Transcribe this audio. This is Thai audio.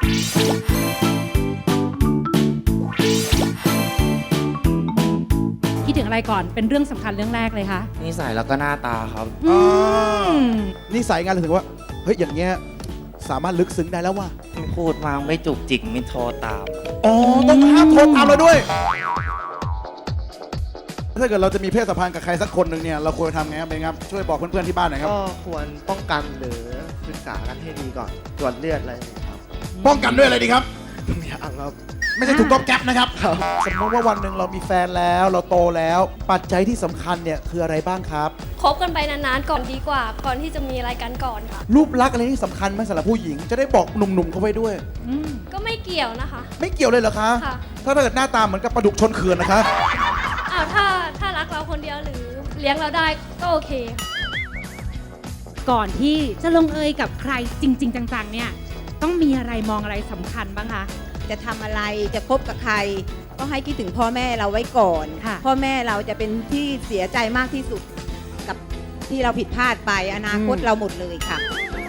คิดถึงอะไรก่อนเป็นเรื่องสำคัญเรื่องแรกเลยคะนิสัยแล้วก็หน้าตาครับนิสัยงานถึงว่าเฮ้ยอย่างเงี้ยสามารถลึกซึ้งได้แล้วว่ะพูดมาไม่จุกจิกไม่โทรตามอ๋อต้องห้ามโทรตามเราด้วย ถ้าเกิดเราจะมีเพศสัมพันธ์กับใครสักคนหนึ่งเนี่ยเราควรทำไงครับเบนครับช่วยบอกเพื่อนๆที่บ้านหน่อยครับก็ควรป้องกันหรือศึกษากันให้ดีก่อนตรวจเลือดอะไรอย่างเงี้ยครับป้องกันด้วยอะไรดีครับอย่างครับไม่ใช่ถูกต้องแก๊ปนะครับ สมมติว่าวันหนึ่งเรามีแฟนแล้วเราโตแล้ว ปัจจัยที่สำคัญเนี่ยคืออะไรบ้างครับคบกันไปนานๆก่อนดีกว่า ก่อนที่จะมีอะไรกันก่อนค่ะรูปลักษณ์อะไรที่สำคัญไหมสำหรับผู้หญิงจะได้บอกหนุ่มๆเขาไว้ด้วยก็ไม่เกี่ยวนะคะไม่เกี่ยวเลยเหรอคะค่ะถ้าเกิดหน้าตาเหมือนกับปลาดุกชนเขื่อนนะคะอ้าวถ้ารักเราคนเดียวหรือเลี้ยงเราได้ก็โอเคค่ะก่อนที่จะลงเอยกับใครจริง ๆ จังๆเนี่ยต้องมีอะไรมองอะไรสำคัญบ้างคะจะทำอะไรจะคบกับใคร ก็ให้คิดถึงพ่อแม่เราไว้ก่อนค่ะพ่อแม่เราจะเป็นที่เสียใจมากที่สุดกับที่เราผิดพลาดไปอนาคตเราหมดเลยค่ะ